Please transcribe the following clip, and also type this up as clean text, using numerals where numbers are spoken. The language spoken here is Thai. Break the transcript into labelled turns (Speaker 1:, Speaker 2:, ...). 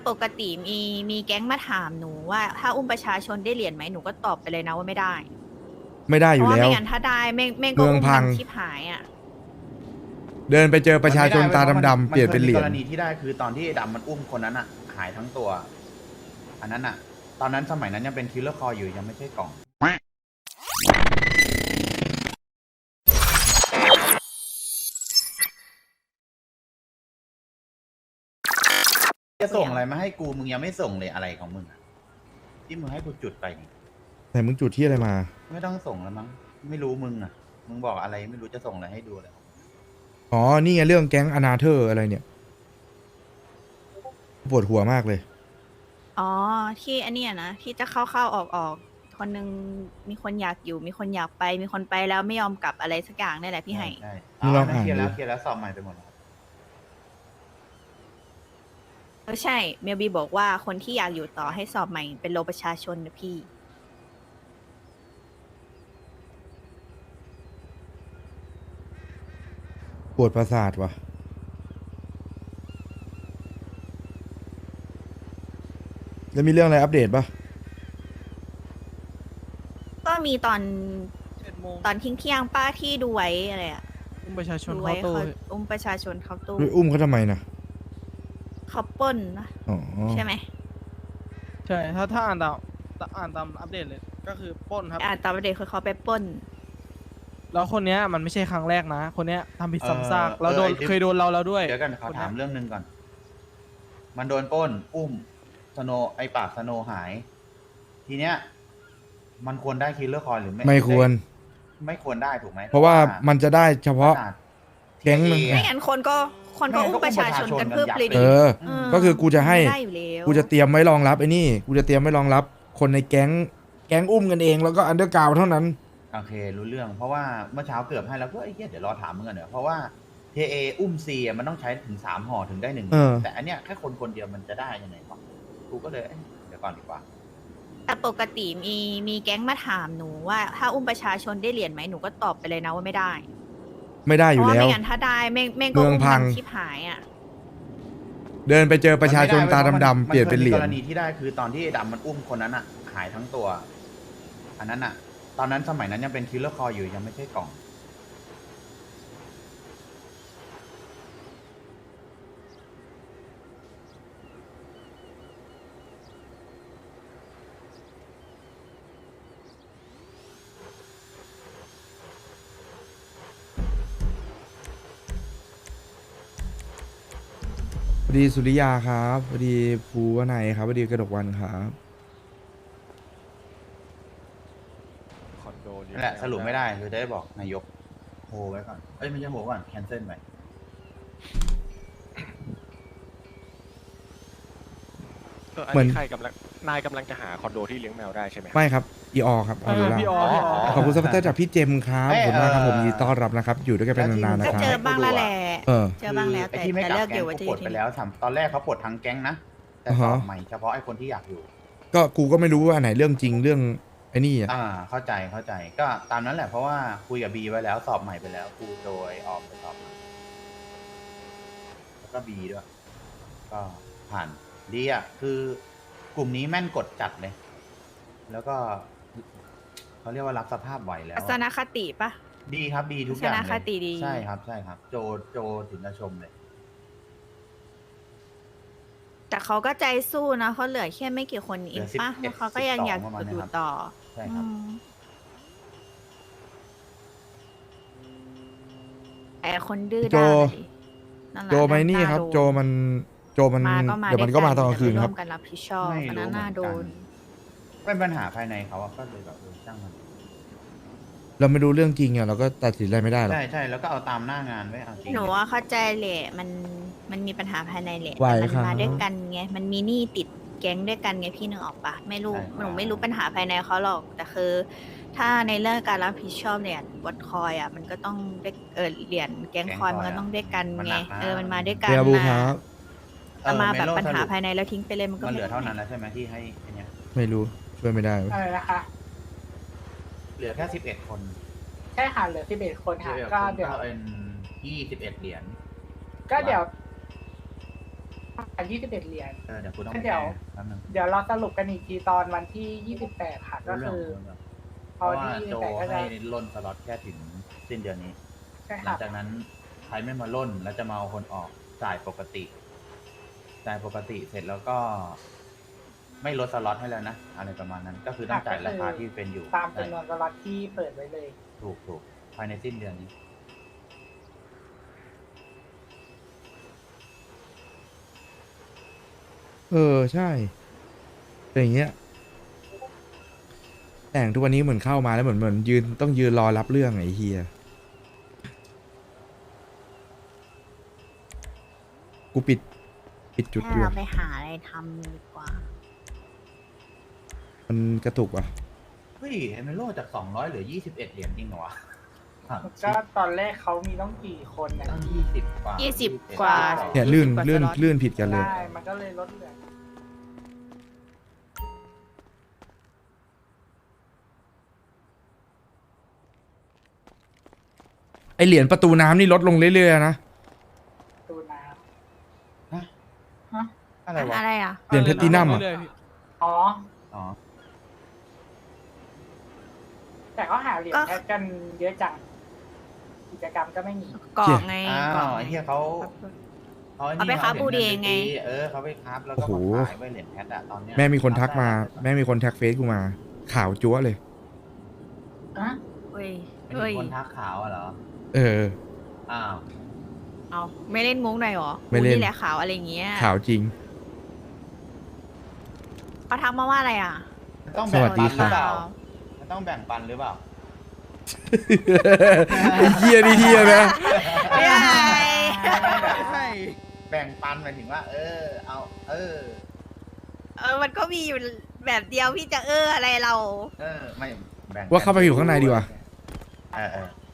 Speaker 1: ปกติมีแก๊งมาถามหนูว่าถ้าอุ้มประชาชนได้เหรียญไหมหนูก็ตอบไปเลยนะว่าไม่ได้
Speaker 2: ไม่ได้อ
Speaker 1: เพราะว่า
Speaker 2: ยู่แล้ว
Speaker 1: ไม่งั้นถ้าได้แม่งก็
Speaker 2: เมือง
Speaker 1: อุ้ม
Speaker 2: พั
Speaker 1: กั
Speaker 2: ง
Speaker 1: นชิบหายอ่ะ
Speaker 2: เดินไปเจอประชาชนตาดำๆเปลี่ยนเป็นเหรียญ
Speaker 3: กรณีที่ได้คือตอนที่ไอ้ดำมันอุ้มคนนั้นอ่ะ หายทั้งตัว อันนั้นอ่ะ ตอนนั้นสมัยนั้นยังเป็นคิลเลอร์คออยู่ยังไม่ใช่กล่องจะส่งอะไรมาให้กูมึงยังไม่ส่งเลยอะไรของมึงอะที่มึงให้กูจุดไปนี่
Speaker 2: แต่มึงจุดที่อะไรมา
Speaker 3: ไม่ต้องส่งแล้วมั้งไม่รู้มึงอ่ะ มึงบอกอะไรไม่รู้จะส่งอะไรให้ดูเลย
Speaker 2: อ๋อ นี่ไงเรื่องแก๊งอนาเธอร์อะไรเนี่ย ปวดหัวมากเลย
Speaker 1: อ๋อที่อันเนี้ยนะที่จะเข้าออกคนนึงมีคนอยากอยู่มีคนอยากไปมีคนไปแล้วไม่ยอมกลับอะไรสักอย่างนี่แหละพี่ไห่
Speaker 3: ใช่
Speaker 2: มึงลองอ่าน
Speaker 3: เคลียร์แล้ว
Speaker 2: ดู
Speaker 3: เคลียร์แล้วสอบใหม่ไปหมดแล้ว
Speaker 1: ใช่เมลบีบอกว่าคนที่อยากอยู่ต่อให้สอบใหม่เป็นโลประชาชนนะพี่
Speaker 2: ปวดประสาทว่ะ แล้วมีเรื่องอะไรอัปเดตปะ
Speaker 1: ก็มีตอน
Speaker 4: 7 โมง
Speaker 1: ตอนทิ้งเที่ยงป้าที่ดูไว้อะไรอะ
Speaker 4: อุ้มประชาชน
Speaker 1: ดู
Speaker 4: เข้า
Speaker 1: ไว้
Speaker 4: ตู้
Speaker 1: เขาอุ้มประชาชนเข้าตู้
Speaker 2: ไปอุ้มเขาทำไมนะ
Speaker 1: เขาปล้นนะ
Speaker 2: อ๋อ
Speaker 1: ใช่ไหม
Speaker 4: ใช่ถ้าอ่านตามอัปเดตเลยก็คือปล้นครับ
Speaker 1: ตอนประเด็นคือเขาไปปล้น
Speaker 4: แล้วคนเนี้ยมันไม่ใช่ครั้งแรกนะ คนเนี้ยทำผิดซ้ำซาก
Speaker 3: เออ
Speaker 4: แล้วโดน
Speaker 3: ไอ้ที่
Speaker 4: เคยโดนเราแล้วด้วย
Speaker 3: เดี๋ยวกันขอถามเรื่องหนึ่งก่อน มันโดนปล้น อุ้มสโนไอปากสโนหาย ทีเนี้ย มันควรได้คิลเลอร์คอยหรือไม่
Speaker 2: ไม่ควร
Speaker 3: ไม่ควรได้ถูกไหม
Speaker 2: เพราะว่ามันจะได้เฉพาะ
Speaker 3: ขนาด
Speaker 2: แก๊งนึง
Speaker 3: TAA
Speaker 1: ไม่งั้นคนก็อุ้มประชาชนกันเพิ่มเลย
Speaker 2: เอ
Speaker 1: ดิ
Speaker 2: อ
Speaker 1: เออ
Speaker 2: ก็คือกูจะให้
Speaker 1: ไม่ได้อยู่แล้ว
Speaker 2: กูจะเตรียมไว้รองรับไอ้นี่ กูจะเตรียมไว้รองรับ คนในแก๊งอุ้มกันเองแล้วก็อันเดอร์กราวเท่านั้น
Speaker 3: โอเค รู้เรื่อง เพราะว่าเมื่อเช้าเกือบให้แล้วก็ไอ้เหี้ยเดี๋ยวรอถามมึงกันเนอะเพราะว่า TA อุ้มซีมันต้องใช้ถึง3 ห่อถึงได้1
Speaker 2: เออ
Speaker 3: แต่อันเนี้ยแค่คนเดียวมันจะได้ยังไงวะกูก็เลยเดี๋ยวก่อนดีกว่า
Speaker 1: แต่ปกติมีแก๊งมาถามหนูว่าถ้าอุ้มประชาชนได้เหรียญไหมหนูก็ตอบไปเลยนะว่าไม่ได้
Speaker 2: ไม่ได้อ
Speaker 1: เพ
Speaker 2: ยู่
Speaker 1: ราะว่า
Speaker 2: แล้ว
Speaker 1: ไม่งั้นถ้าได้แม่งก็
Speaker 2: เมือง
Speaker 1: อุ้ม
Speaker 2: พั
Speaker 1: กั
Speaker 2: ง
Speaker 1: นชิบหายอ่ะ
Speaker 2: เดินไปเจอประชาชนตาดำๆเปลี่ยนเป็นเหรียญ
Speaker 3: กรณีที่ได้คือตอนที่ไอ้ดำมันอุ้มคนนั้นอ่ะ หายทั้งตัว อันนั้นอ่ะ ตอนนั้นสมัยนั้นยังเป็นคิลเลอร์คออยู่ยังไม่ใช่กล่อง
Speaker 2: สวัสดีสุริยาครับสวัสดีภูวนัยครับสวัสดีกระดกวันครับ
Speaker 3: นั่นแหละสรุปไม่ได้คือจะได้บอกนายกโฮไว้ก่อน เอ้ยไม่ใช่โฮก่อนแคนเซิลไป
Speaker 2: เหมือน
Speaker 5: ใครกำลังนายกำลังจะหาคอนโดที่เลี้ยงแมวได้ใช่ไหมครับ
Speaker 2: ไม่ครับอีออครับออโรรา
Speaker 4: พี่ออ
Speaker 2: ขอบคุณซัพพอร์ตเตอร์จากพี่เจมส์ครับขอบคุณมากครับผมยินดีต้อนรับนะครับ อยู่ด้วยกันเป็นนานๆนะ
Speaker 1: ก็
Speaker 2: ครับ
Speaker 1: เจอบ้างแล้วแหละ
Speaker 2: เออ
Speaker 1: เจอบ้างแล้ว
Speaker 3: ไอ้
Speaker 1: แต่
Speaker 3: ที่ไม่
Speaker 1: แต่
Speaker 3: กลับ
Speaker 1: เลิกอ
Speaker 3: แก๊ง
Speaker 1: ยู่ว่า
Speaker 3: กู
Speaker 1: จะ
Speaker 3: ป
Speaker 1: อ
Speaker 3: ลด
Speaker 1: ยู่
Speaker 3: ไป
Speaker 1: ที่
Speaker 3: แล้วตอนแรกเขาปลดทั้งแก๊งนะ แต่
Speaker 2: อ่า
Speaker 3: สอ
Speaker 2: ฮะ
Speaker 3: บใหม่เฉพาะไอ้คนที่อยากอยู่
Speaker 2: ก็กูก็ไม่รู้ว่าอันไหนเรื่องจริงเรื่องไอ้นี่อ่ะ
Speaker 3: เข้าใจก็ตามนั้นแหละเพราะว่าคุยกับบีไว้แล้วสอบใหม่ไปแล้วกูโดยออกไปสอบใหม่แล้วก็บีด้วย ก็ผ่านดีอ่ะคือกลุ่มนี้แม่นกดจัดเลย แล้วก็เขาเรียกว่ารับสภาพไหวแล้ว
Speaker 1: ทัศ
Speaker 3: อะ
Speaker 1: นคติปะ
Speaker 3: ดีครับดีทุกอย่าง
Speaker 1: ทัศ
Speaker 3: เล
Speaker 1: นคติดี
Speaker 3: ยใช่ครับ โจถึงจะชมเลย
Speaker 1: แต่เขาก็ใจสู้นะเขาเหลือแค่ไม่กี่คนเองปะ
Speaker 3: เหลือ11
Speaker 1: เขาก็ยังอยาก
Speaker 3: 12ประมาณ
Speaker 1: อยู่
Speaker 3: นะครับ
Speaker 1: ต่อ
Speaker 3: ใช่ครับ
Speaker 1: อืมแต่คนดื้อ
Speaker 2: โจ
Speaker 1: ด้านอะดินั่นแหละ
Speaker 2: โจไหมนี่ครับ
Speaker 1: า
Speaker 2: โจมันเดี๋ยวมันก็มาตอนกลางคืนครับ
Speaker 1: วมกันรับผิดชอบ
Speaker 3: ไม่
Speaker 1: อัน
Speaker 3: รู้
Speaker 1: นั้น
Speaker 3: เหมื
Speaker 1: น่า
Speaker 3: อน
Speaker 1: โด
Speaker 3: กัน
Speaker 1: น
Speaker 3: เป็นปัญหาภายในเขาอะก็เลยแบบช่างมัน
Speaker 2: เราไม่รู้เรื่องจริงอ่ะเราก็ตัดสินอะไรไม่ได้หรอก
Speaker 3: ใช่แล้วก็เอาตามหน้างานไว้เอาจริง
Speaker 1: หนูว่าเข้าใจแหละมันมีปัญหาภายในแหละ
Speaker 2: ไหว
Speaker 1: แต่
Speaker 2: ครั
Speaker 1: มั
Speaker 2: บ
Speaker 1: มาด้วยกันไงมันมีหนี้ติดแก๊งด้วยกันไงพี่นึกออกปะไม่รู้หนูไม่รู้ปัญหาภายในเขาหรอกแต่คือ ถ้าในเรื่องการรับผิดชอบเนี่ยบทคอยอ่ะมันก็ต้องได้เหรียญแก๊งคอยมันก็ต้องด้วยกันไงมันมาด้วยกัน
Speaker 2: เรียบูค
Speaker 1: นะ
Speaker 2: รับ
Speaker 1: แต่มาแบบ
Speaker 3: เมโล
Speaker 1: ปัญหา
Speaker 3: สรุป
Speaker 1: ภายในแล้วทิ้งไปเลยมันก็
Speaker 3: มันเหลือ
Speaker 1: ไได้
Speaker 3: เท่านั้นแล้วใช่ไหมที่ให้ไอ้เนี่ย
Speaker 2: ไม่รู้ช่วยไม่ได้
Speaker 6: อะไรนะคะ
Speaker 3: เหลือแค่11 คน
Speaker 6: ใช่ค่ะเหลือ11 คนค่ะ ก็เดี๋ยว
Speaker 3: เป็น21 เหรียญ
Speaker 6: ก็เดี๋ยว 21 เหรียญ
Speaker 3: เดี๋ยวกูต้อง
Speaker 6: เดี๋ยว
Speaker 3: แป๊บนึง
Speaker 6: เดี๋ยวเราสรุปกันอีกทีตอนวันที่ 28 ค่ะ ก็
Speaker 3: เรื่อง
Speaker 6: คือ
Speaker 3: เรื่อง
Speaker 6: พ
Speaker 3: เพ
Speaker 6: อ
Speaker 3: ราะว่า
Speaker 6: ที่
Speaker 3: โจ
Speaker 6: 28ก็จะ
Speaker 3: ให้ล่นสล็อตแค่ถึงสิ้นเดือนนี้
Speaker 6: ใช่
Speaker 3: หลั
Speaker 6: ค่ะ
Speaker 3: งจากนั้นใครไม่มาล่นแล้วจะมาเอาคนออกจ่ายปกติ จ่ายปกติเสร็จแล้วก็ ไม่ลดสล็อตให้แล้วนะอะไรประมาณนั้น ก็คือต้องจ่ายราคาที่เป็นอยู่
Speaker 6: ตามจำนวนสล็อตที่เปิดไว้เลย
Speaker 3: ถูกภายในสิ้นเดือนนี้
Speaker 2: ใช่เป็นอย่างเงี้ยแต่งทุกวันนี้เหมือนเข้ามาแล้วเหมือนยืนต้องยืนรอรับเรื่องไอ้เฮียกูปิดจุด
Speaker 1: ให้
Speaker 2: ด่ว
Speaker 1: เรา
Speaker 2: น
Speaker 1: ไปหาอะไรทำดีกว่า
Speaker 2: มันกระตุกว่ะ
Speaker 3: เฮ้ยเฮเมโลจาก200เหลือ21เหรียญจริงเหรอวะ
Speaker 6: ก็ตอนแรกเขามีต้องกี่คนนะ
Speaker 3: ตั้ง20 กว่า
Speaker 1: 20 กว่า
Speaker 2: เนี่ยลื่น
Speaker 1: 20 กว่า
Speaker 2: ลื่น
Speaker 1: สล็อต
Speaker 2: ลื่นผิดกันเลย
Speaker 6: ได้มันก็เลยลดเหลือ
Speaker 2: ไอเหรียญประตูน้ำนี่ลดลงเรื่อยๆนะ
Speaker 6: ตูน้
Speaker 3: ฮะ
Speaker 6: ำฮะ
Speaker 3: อะไรวะ
Speaker 1: อะไรอ่ะ
Speaker 2: เหรียญแพลตตินัมอะ
Speaker 4: เรื่ยๆพี่
Speaker 6: อ๋อ
Speaker 3: อ๋อ
Speaker 6: แต่ก็หาเหรียญ
Speaker 1: ก็
Speaker 6: แพทกันเยอะจัง กิจกรรมก็ไม่มี
Speaker 1: กล่องไง
Speaker 3: อ้าก
Speaker 1: ล่อง
Speaker 3: วไอ้เหี้ยเขาไอ้
Speaker 1: เอา
Speaker 3: นี่
Speaker 1: ไปค้า
Speaker 3: เหรียญ
Speaker 1: บูดี
Speaker 3: งิน
Speaker 1: ไง
Speaker 3: ปตีเขาไปค้าแล้วก็
Speaker 2: โอ้โห
Speaker 3: มาขายไว้เหรียญแพทอะตอนเนี้ย
Speaker 2: แม่มีคนทักมา
Speaker 3: ได้
Speaker 2: แม่มีคนทักเฟซกูมา ข่าวจั๊วเลย
Speaker 6: อะ
Speaker 1: เฮ้ย
Speaker 3: ไม่
Speaker 1: เฮ้ย
Speaker 3: มีคนทักขาวอะเหรอ
Speaker 2: เออ
Speaker 3: อ้าว
Speaker 1: เอาไม่เล่นมุกหน่อยเหรอ
Speaker 2: ไม่เล่น
Speaker 1: กูแหละขาวอะไรอย่างเงี้ย
Speaker 2: ข่าวจริง
Speaker 1: เขาทักมาว่าอะไรอ่ะ
Speaker 3: ต้องแบ่ง
Speaker 2: สวัสดี
Speaker 3: ปันหรือ
Speaker 2: ค่ะ
Speaker 3: เปล่ามันต้องแบ่งปันหรือเปล่า
Speaker 2: ไอ้เฮียนี่เฮียนะ
Speaker 1: ไม่ได้
Speaker 4: ใช่
Speaker 3: แบ่งปันหมายถึงว่า เอา
Speaker 1: มันก็มีอยู่แบบเดียวพี่จะอะไรเรา
Speaker 3: ไม่แบ่ง
Speaker 2: ว่าเข้าไปอยู่ข้างในดีกว่า
Speaker 3: เออ